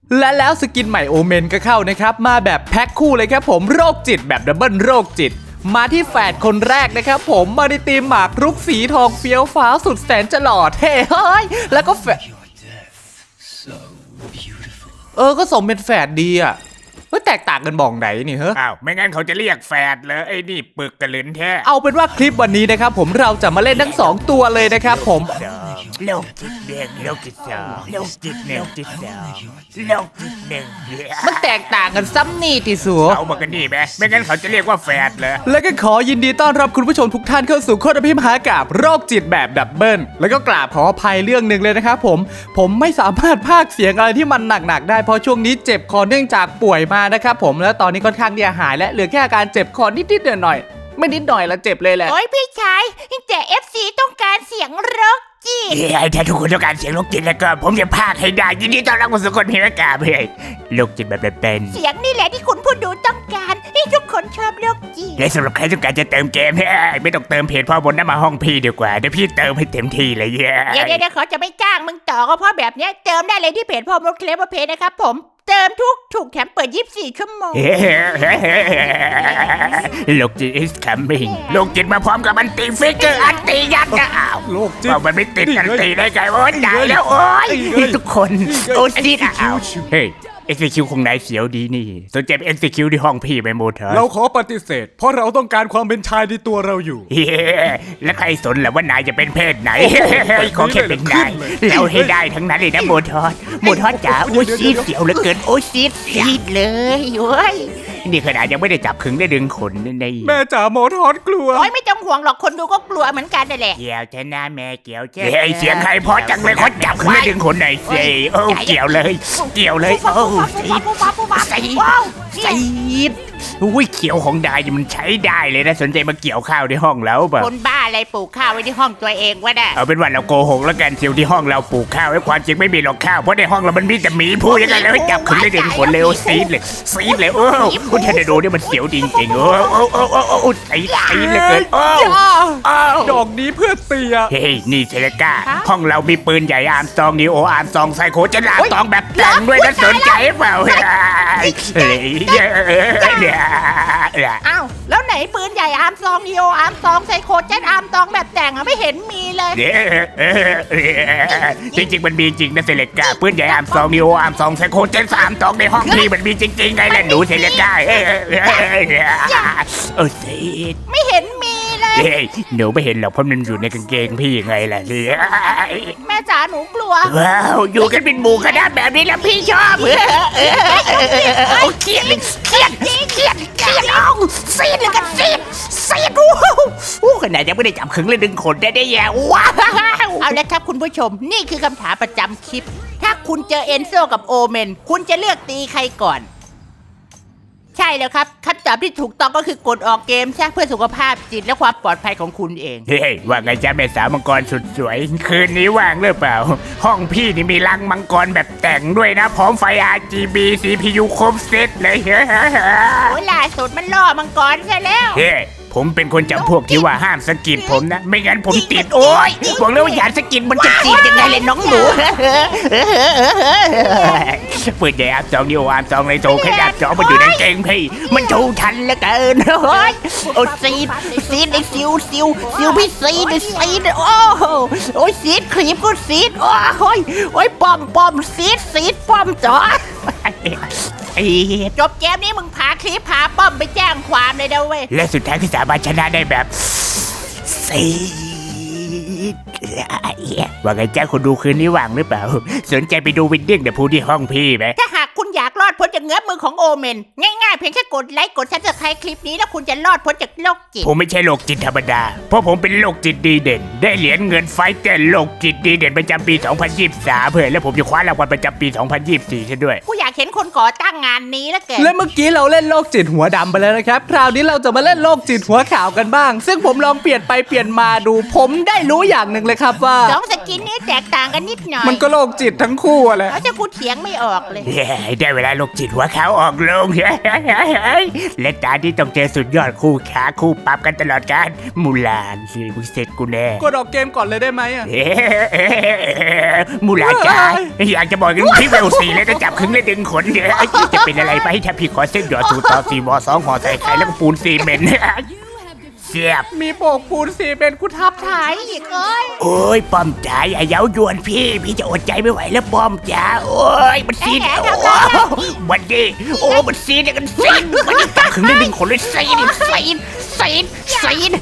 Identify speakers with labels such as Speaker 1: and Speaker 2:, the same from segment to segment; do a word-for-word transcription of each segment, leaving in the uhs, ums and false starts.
Speaker 1: และแล้วสกินใหม่โอเมนก็เข้านะครับมาแบบแพ็คคู่เลยครับผมโรคจิตแบบดับเบิลโรคจิตมาที่แฝดคนแรกนะครับผมมาในทีมหมากรุกสีทองเฟี้ยวฟ้าสุดแสนจะหล่อเท่เฮ้ยแล้วก็แฝดเออก็สมเป็นแฝดดีอ่ะเฮ้ยแตกต่างกันบ่องไหนนี่เฮ้ย
Speaker 2: อ้าวไม่งั้นเขาจะเรียกแฝดเลยไอ้นี่ปึกกระลืนแท้
Speaker 1: เอาเป็นว่าคลิปวันนี้นะครับผมเราจะมาเล่นทั้งสองตัวเลยนะครับผม
Speaker 2: โลกจิตเด็กโลกจิตสองโลกจิตหนึ่งจิตสองโลกจิตหนึ่ง
Speaker 1: มันแตกต่างกันซ้ำนี่ติสัว
Speaker 2: เอามากันนี่ไหมไม่งั้นเขาจะเรียกว่าแฝดเลย
Speaker 1: แล้วก็ขอยินดีต้อนรับคุณผู้ชมทุกท่านเข้าสู่โคตรพิมหากาบโรคจิตแบบดับเบิลแล้วก็กราบขออภัยเรื่องหนึ่งเลยนะครับผมผมไม่สามารถพากย์เสียงอะไรที่มันหนักๆได้เพราะช่วงนี้เจ็บคอเนื่องจากป่วยมานะครับผมแล้วตอนนี้ค่อนข้างที่จะหายและเหลือแค่อาการเจ็บคอนิดๆหน่อยๆไม่นิดหน่อยละเจ็บเลยแหละ
Speaker 3: โอ้ยพี่ชายแต่ เอฟ ซี ต้องการเสียงโรคจิต
Speaker 2: เฮ้ยถ้าทุกคนต้องการเสียงโรคจิตแล้วก็ผมจะพากให้ได้ยินดีต้อนรับคุณสุคนพิมพ์กาเฮ้ยโรคจิตแบบเป็น
Speaker 3: เสียงนี่แหละที่คุณผู้ดูต้องการให้ทุกคนชอบโรคจิต
Speaker 2: และสำหรับใครต้องการจะเติมเกมเฮ้ยไม่ต้องเติมเพจพ่อบนน้ำมาห้องพี่ดีกว่าเดี๋ยวพี่เติมให้เต็มที่เลยเย้
Speaker 3: เดี๋ยวเดี๋ยวเขาจะไม่จ้างมึงต่อก็เพราะแบบนี้เติมได้เลยที่เพจพ่อมดเคลมเพจนะครับผมเติมทุกถูกแถมเปิดยี่สิบสี่ชั่วโมง
Speaker 2: โลกจิต is coming โลกจิตมาพร้อมกับอันตีฟิกเกอร์อันตียัดนะอ้าว
Speaker 1: โลกจิต
Speaker 2: มันไม่ติดอันตีได้ไงโอ้ยได้แล้วโอ้ยทุกคนโอ้ยจิตอ้าวเฮ้ย เอ็กซ์ คิว ของนายเสียวดีนี่สนใจ เอ็กซ์ คิว ที่ห้องพี่ไปหมดเหรอ
Speaker 1: เราขอปฏิเสธเพราะเราต้องการความเป็นชายในตัวเราอยู่
Speaker 2: เฮ้แล้วใครสนล่ะว่านายจะเป็นเพศไหนขอแค่เป็นนายแล้วให้ได้ทั้งนั้นเลยนะโมทอสโมทอสจ๋าโอ้ยซีดเสียวเหลือเกินโอ้ยซีดซีดเลยโอ้ยนี่ขนาดยังไม่ได้จับขึงได้ดึงขนใน
Speaker 1: แม่จ๋าโมทอสกลัว
Speaker 3: โอ้ยไม่ต้องห่วงหรอกคนดูก็กลัวเหมือนกันนั่นแหละ
Speaker 2: เกี่ยวชนะแม่เกี่ยวเจ้ไอเสียงใครพอจังเลยเขาจับขึงได้ดึงขนไหนเซ่โอ้เกี่ยวเลยเกี่ยวเลยโอ้ซีดซีดซีดอุ้ยเขียวของดายมันใช้ได้เลยนะสนใจมาเกี่ยวข้าวในห้องแล้วป่ะ
Speaker 3: คนบ้าอะไรปลูกข้าวไว้ที่ห้องตัวเองวะเนี่ย
Speaker 2: เอาเป็นว่าเราโกหกแล้วกันเชียวที่ห้องเราปลูกข้าวไว้ความจริงไม่มีหรอกข้าวเพราะในห้องเรามันมีแต่หมีพูดยังไงแล้วจับขึงได้ดึงขนเร็วซีดเลยซีดเลยโอ้คุณเทนโดเนี่ยมันเสียวจริงๆโอ้โอ้โอ้โอ้โอ้ซีดซีดเลยเกินโอ้
Speaker 1: ดอกนี้เพื่อเตีย
Speaker 2: เฮ้ยนี่เชลก้าห้องเรามีปืนใหญ่อาร์มซองนิโออาร์มซองไซโคจะลาตองแบบแต่งด้วยนะสนใจเปล่าเฮ้ยเนี่ย
Speaker 3: อ้าวแล้วไหนปืนใหญ่อาร์มซองนีโออาร์มซองไซโคเจ็ตอาร์มซองแบบแต่งอะไม่เห็นมีเลย
Speaker 2: จริงๆมันมีจริงนะเซเลก้าปืนใหญ่อาร์มซองนีโออาร์มซองไซโคเจ็ตสามซองในห้องพี่มันมีจริงๆไงล่ะหนูเซเลก้าเออซีด
Speaker 3: ไม่เห็นมีเลย
Speaker 2: เฮ้ยหนูไม่เห็นหรอกเพราะมันอยู่ในกางเกงพี่ไงล่ะเนี่ย
Speaker 3: แม่จ๋าหนูกลัว
Speaker 2: ว้าวอยู่กันเป็นหมู่คณะแบบนี้แล้วพี่ชอบโอ้เครียดเครียดเครียดเครียดเอาซีดเลยกันซีดซีดโอ้ขนาดยังไม่ได้จับขึงเลยดึงขนได้ได้แย่ว้าว
Speaker 3: เอาละครับคุณผู้ชมนี่คือคำถามประจำคลิปถ้าคุณเจอเอนโซกับโอเมนคุณจะเลือกตีใครก่อนใช่แล้วครับคำตอบที่ถูกต้องก็คือกดออกเกมใช่เพื่อสุขภาพจิตและความปลอดภัยของคุณเอง
Speaker 2: เฮ้ยว่าไงจ๊ะแม่สาวมังกรสุดสวยคืนนี้ว่างหรือเปล่าห้องพี่นี่มีรังมังกรแบบแต่งด้วยนะพร้อมไฟ อาร์ จี บี ซี พี ยู ครบเซตเลยเฮ้ย
Speaker 3: โอ้ยล่าสุดมันล่อมังกรซะแล้ว
Speaker 2: เฮ้ยผมเป็นคนจำพวกที่ว่าห้ามสกิดผมนะไม่งั้นผมติดโอ๊ยบอกเลยว่าอย่าสกิดมันจะติดยังไงเลยน้องหนูเปิดใหญ่อาบจองนิโออาบจองเลยโจขยับจอมันอยู่ในเกงพี่มันโชว์ทันแล้วเกินโอ้ยโอ้ซีดซีดไอซิวซิวซิวพี่ซีดซีดโอ้โอ้ยซีดครีมก็ซีดโอ้ยโอ้ยป้อมป้อมซีดซีดป้อมจอ
Speaker 3: จบเกมนี้มึงพาคลิปพาป้อมไปแจ้งความเลยนะเว้ย
Speaker 2: และสุดท้ายคือสามารถชนะได้แบบซีดว่าไงจ้าคนดูคืนนี้ว่างหรือเปล่าสนใจไปดูวินดิ้งเดี๋ยวพูดที่ห้องพี่ไหม
Speaker 3: ถ้าหากคุณอยากรอดพ้นจากเงื้อมือของโอเมนง่ายๆเพียงแค่กดไลค์กดซับสไครบ์คลิปนี้แล้วคุณจะรอดพ้นจากโรคจิต
Speaker 2: ผมไม่ใช่โรคจิตธรรมดาเพราะผมเป็นโรคจิตดีเด่นได้เหรียญเงินไฟเต้นโรคจิตดีเด่นประจำปีสองพันยี่สิบสามเพื่อและผมจะคว้ารางวัลประจำปีสองพันยี่สิบสี่ซะด้วย
Speaker 3: กูอยากเห็นคนก่อตั้งงานนี้แล้วเกิน
Speaker 1: และเมื่อกี้เราเล่นโรคจิตหัวดำไปแล้วนะครับคราวนี้เราจะมาเล่นโรคจิตหัวขาวกันบ้าง ซึ่งผมลองเปลี่ยนไปเปลี่ยนมาดู ผมได้รู้อย่างหนึ่งเลยครับว่า
Speaker 3: สองสกินนี้แตกต่างกันนิดหน่อย
Speaker 1: มันก็โรคจิตทั้งคู่อะแหละ
Speaker 3: เขาจะกูเถียงไม่ออกเลย
Speaker 2: เฮ้ยได้เวลาโรคจิตหัวขาวออกลง และตาที่ต้องเจอสุดยอดคู่ขาคู่ปรับกันตลอดการมูลานสิมึงเสร็จกูแน่
Speaker 1: กดออกเกมก่อนเลยได้ไหมอะ
Speaker 2: เฮ้มูลาจ้าอยากจะบอกกันพี่เวลสี่แล้วจะจับครึ่งและดึงขนเดี๋ยวจะเป็นอะไรไปถ้าพี่ขอเส้นหยอดสูตรต่อสี่บอสองห่อใส่ไข่แล้วก็ปูนซีเมนต์เสียบ
Speaker 1: มีโปกปูนสีเป็นกูทับ
Speaker 3: ถ่ายอีกเอ้ย
Speaker 2: โอ้ยป้อมจ๋าอย่าเย้ายวนพี่ พี่จะอดใจไม่ไหวแล้วป้อมจ๋าโอ้ยมันซีดโอ้วันดีโอ้มันซีดเนี่ยกันซีดมันจับครึ่งและดึงขนเลยซีดซีดซีดซีด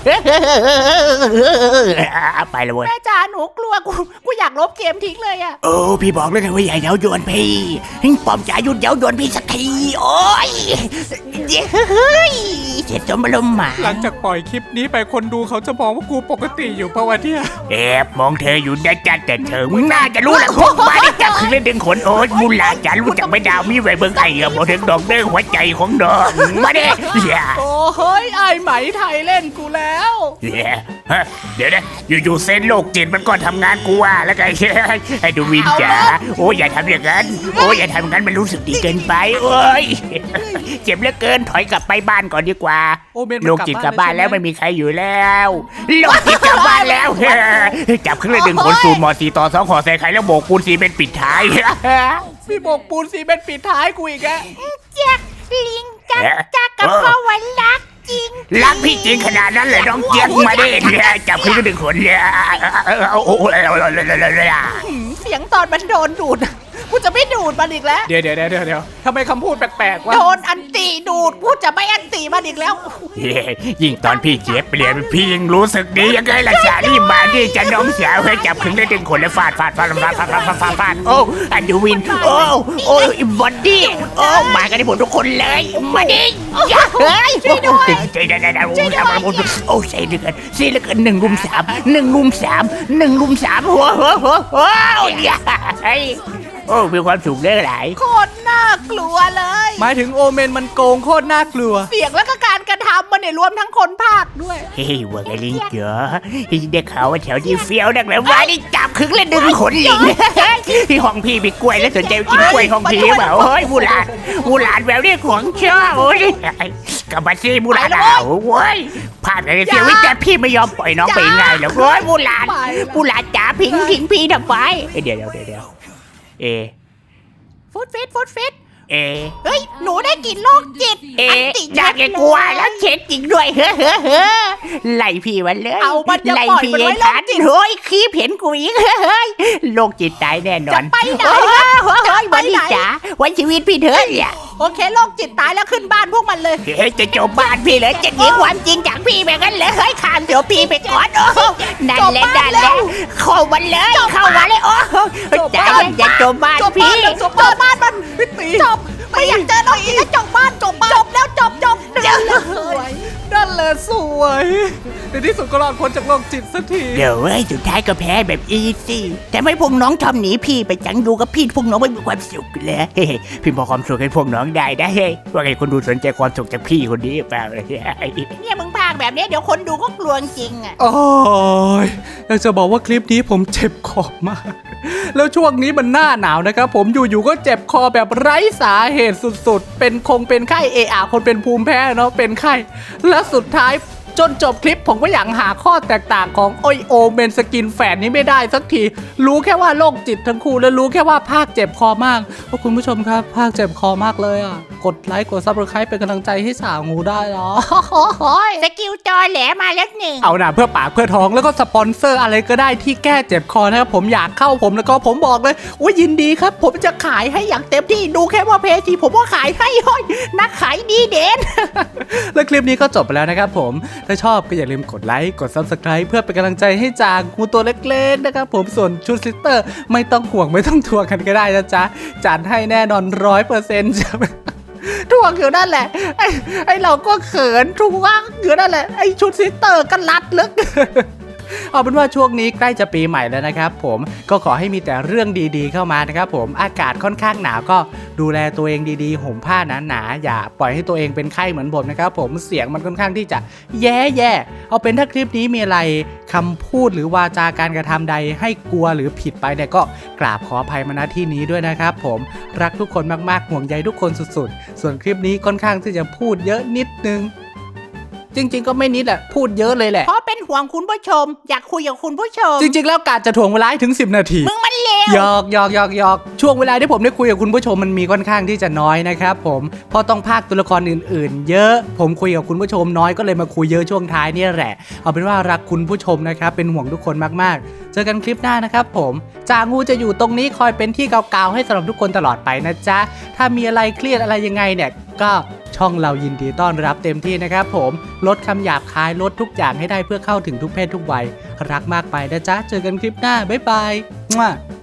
Speaker 2: ไปเลยเว้ย
Speaker 3: แม่จ๋าหนูกลัวกูกูอยากลบเกมทิ้งเลยอะ
Speaker 2: โอ้พี่บอกเลยไงว่าอย่าเย้ายวนพี่ป้อมจ๋าหยุดเย้ายวนพี่สักทีโอ้ยเฮ้ยเจ็บจนมาลมหมา
Speaker 1: หลังจากปล่อยคลิปนี้ไปคนดูเขาจะมองว่ากูปกติอยู่เพราะว่าเนี่ย
Speaker 2: แอบมองเธออยู่นะจ๊ะแต่เธอมึงน่าจะรู้แหละพวกมาได้จับคือเล่นดึงขนโอ๊ยมูลาจ๋ารู้จักไม่ดาวมีไว้เบิ่งไอ้กับบอกถึงดอกเด้งหัวใจของดอกมาเด้อย่า
Speaker 1: โอ้เฮ้ยไอไหมไทยเล่นกูแล้ว
Speaker 2: ฮะเดี๋ยวนะอยู่ๆเส้นโลกจิตมันก็ทำงานกูว่าแล้วไงไอ้ดูวินจ๋าโอ้ยอย่าทำอย่างนั้นโอ้ยอย่าทำอย่างนั้นมันรู้สึกดีเกินไปโอ้ยเจ็บเหลือเกินถอยกลับไปบ้านก่อนดีกว่า
Speaker 1: โอเมนมัน
Speaker 2: โลกจิตกลับบ้านแล้ว
Speaker 1: ใช่ไหม
Speaker 2: ไม่มีใครอยู่แล้วโลกจิตกลับบ้านแล้วจับเครื่องดึงขนสูตรหมอสีต่อสองขอใส่ไข่แล้วโบกปูนสีเป็นปิดท้าย
Speaker 1: มีโบกปูนสีเป็นปิดท้ายกูอีกอะ
Speaker 3: แจ็คลิงจักจักกับพ่อวันรักจริง
Speaker 2: รักพี่จริงขนาดนั้นเลยน้องเจี๊ยบมาดิจับเครื่องดึงขนเนี่ยโอ้โห
Speaker 3: หืมเสียงตอนมันโดนดูดกูจะไม่ดูดมันอีกแล้ว
Speaker 1: เดี๋ยวเดี๋ยวเดี๋ยวเดี๋ยวทำไมคำพูดแปลกๆวะ
Speaker 3: โดนอันตีดูดกูจะไม่อันตีมันอีกแล้ว
Speaker 2: ยิ่งตอนพี่เจี๊ยบเปลี่ยนพี่ยิ่งรู้สึกดียังไงล่ะสาลี่มาดิจะน้องสาวให้จับเครื่องดึงขนแล้วฟาดฟาดฟาดฟาดฟาดฟาดฟาดฟาดฟาดโอ้อันดูวินโอ้โอ้บอดี้โอ้มากันได้หมดทุกคนเลยมาดิเฮ้ยช่วยด้วยใจได้ได้โอ้ยมาหมดโอ้ใช่เหลือเกินใช่เหลือเกินหนึ่งรุมสามหนึ่งรุมสามหนึ่งรุมสามโอ้โหโอ้โหไอ้โอ้มีความสุขได้หลาย
Speaker 3: โคตรน่ากลัวเลย
Speaker 1: หมายถึงโอเมนมันโกงโคตรน่ากลัว
Speaker 3: เสียงแล้วก็การกระทำมันเนี่ยรวมทั้งคนภาคด้วย
Speaker 2: เฮ้ยว่าไงลิงเจ๋อได้ข่าวว่าแถวนี้เฟี้ยวนักเลยว่าได้จับคึกและดึงขนลิงที่ห้องพี่มีกล้วยแล้วสนใจกินกล้วยของพี่เปล่าเฮ้ยมูหลานมูหลานแบบนี้ของชอบโอ้ยกับมาซีมูหลานเอาโว้ยพลาดอะไรเสียวิแต่พี่ไม่ยอมปล่อยน้องไปง่ายหรอกโอ้ยมูหลานมูหลานจ๋าพิงพิงพี่ทำไมเดี๋ยวเดี๋ยวเดี๋ยวเดี๋ยวเอ
Speaker 3: ฟุตฟิตฟุตฟิต
Speaker 2: เอ
Speaker 3: เฮ้ย หนูได้กลินโรคจิต
Speaker 2: เอ
Speaker 3: อันติ
Speaker 2: อยากจะกลัวแล้วเช็ดจริงด้วยเฮ้อเฮ้อเฮ้อไล่พี่มันเลย
Speaker 3: เอามันอย่า
Speaker 2: ไล่
Speaker 3: ปล่อย
Speaker 2: พี่
Speaker 3: มัน
Speaker 2: ไอ้
Speaker 3: ไว้โร
Speaker 2: ทั
Speaker 3: คน จิต
Speaker 2: เฮ้ยคีบเห็นกูอีกเฮ้ยโรคจิตตายแน่นอน
Speaker 3: จะไปไหน
Speaker 2: โอ้ย
Speaker 3: จะ
Speaker 2: เฮ้ย
Speaker 3: ไป
Speaker 2: วันนี้
Speaker 3: ไหน
Speaker 2: จ๋าวันชีวิตพี่เถอะเนี่ย
Speaker 3: โอเคโรคจิตตายแล้วขึ้นบ้านพวกมันเลย
Speaker 2: เฮ้ยจะจบบ้านพี่เลยจะหนีความจริงจากพี่แบบนั้นเลยเฮ้ยข้ามเดี๋ยวพี่ไปก่อนโอ้นั่นแหละนั่นแหละเข้ามันเลยเข้ามาเลยโอ้จ๋าอย่าจบบ้าน
Speaker 3: จบบ้า
Speaker 2: พี่
Speaker 3: นจบบ้านบ้านมันจบไม่อยากเจอโรคจิตแล้วจบบ้านจบบ้านจบแล้วจบจบเดี๋ยวเลย
Speaker 1: นั่นแหละสวยในที่สุดก็รอดพ้นจากโรคจิตสักที
Speaker 2: เดี๋ยวเว้ยสุดท้ายก็แพ้แบบอีซี่แต่ไม่พวกน้องทำหนีพี่ไปจังดูกับพี่พวกน้องไม่มีความสุขเลยเฮ้ยพี่มอบความสุขให้พวกน้องได้ได้เฮ้ยว่าไงคนดูสนใจความสุขจากพี่คนนี้เปล่าเลย
Speaker 3: เนี่ยมึงพากแบบนี้เดี๋ยวคนดูก็กลัวจริงอ่ะ
Speaker 1: โอ้ยอยากจะบอกว่าคลิปนี้ผมเจ็บคอมาก แล้วช่วงนี้มันหน้าหนาวนะครับผมอยู่ๆก็เจ็บคอแบบไร้สาเหตุสุดๆ เป็นคงเป็นไข้เออาคนเป็นภูมิแพ้เนาะเป็นไข้ และสุดท้ายจนจบคลิปผมก็อยากหาข้อแตกต่างของโอโอเมนสกินแฝดนี้ไม่ได้สักที รู้แค่ว่าโรคจิตทั้งคู่และรู้แค่ว่าภาคเจ็บคอมากโอ้คุณผู้ชมครับภาคเจ็บคอมากเลยอ่ะกดไลค์กดซับสไครป์เป็นกำลังใจให้สาวงูได้เหรอ
Speaker 3: สกิลจอแหลมาแล้วหนึ่ง
Speaker 1: เอาหน่าเพื่อปากเพื่อท้องแล้วก็สปอนเซอร์อะไรก็ได้ที่แก้เจ็บคอนะครับผมอยากเข้าผมแล้วก็ผมบอกเลยว่ายินดีครับ ผมจะขายให้อย่างเต็มที่ดูแค่ว่าเพจที่ผมก็ขายให้ห้อยนักขายดีเด่น และคลิปนี้ก็จบไปแล้วนะครับผมถ้าชอบก็อย่าลืมกดไลค์กด ซับสไครบ์ เพื่อเป็นกำลังใจให้จางงูตัวเล็กๆนะครับผมส่วนชุดซิสเตอร์ไม่ต้องห่วงไม่ต้องทวงกันก็ได้นะจ๊ะจัดให้แน่นอนร้อยเปอร์เซ็นต์จะทวงอยู่นั่นแหละไอ้ไอ้เราก็เขินทวงอยู่นั่นแหละไอ้ชุดซิสเตอร์ก็รัดลึกเอาเป็นว่าช่วงนี้ใกล้จะปีใหม่แล้วนะครับผมก็ขอให้มีแต่เรื่องดีๆเข้ามานะครับผมอากาศค่อนข้างหนาวก็ดูแลตัวเองดีๆห่มผ้าหนาๆอย่าปล่อยให้ตัวเองเป็นไข้เหมือนผมนะครับผมเสียงมันค่อนข้างที่จะแย่ๆเอาเป็นถ้าคลิปนี้มีอะไรคำพูดหรือวาจาการกระทำใดให้กลัวหรือผิดไปเนี่ยก็กราบขออภัยมาณที่นี้ด้วยนะครับผมรักทุกคนมากๆห่วงใยทุกคนสุดๆส่วนคลิปนี้ค่อนข้างที่จะพูดเยอะนิดนึงจริงๆก็ไม่นิดแหละพูดเยอะเลยแหละ
Speaker 3: เพราะเป็นห่วงคุณผู้ชม อยากคุยกับคุณผู้ชม
Speaker 1: จริงๆแล้วกาจะถ่วงเวลาให้ถึงสิบนาที
Speaker 3: มึงมันเลว
Speaker 1: หยอกหยอกหยอกหยอกช่วงเวลาที่ผมได้คุยกับคุณผู้ชมมันมีค่อนข้างที่จะน้อยนะครับผมเพราะต้องพากย์ตัวละครอื่นๆ เยอะผมคุยกับคุณผู้ชมน้อยก็เลยมาคุยเยอะช่วงท้ายเนี่ยแหละเอาเป็นว่ารักคุณผู้ชมนะครับเป็นห่วงทุกคนมากๆเจอกันคลิปหน้านะครับผมจางูจะอยู่ตรงนี้คอยเป็นที่กาวๆให้สำหรับทุกคนตลอดไปนะจ๊ะถ้ามีอะไรเครียดอะไรยังไงเนี่ยก็ช่องเรายินดีต้อนรับเต็มที่นะครับผมลดคำหยาบคายลดทุกอย่างให้ได้เพื่อเข้าถึงทุกเพศทุกวัยรักมากไปนะจ๊ะเจอกันคลิปหน้าบ๊ายบาย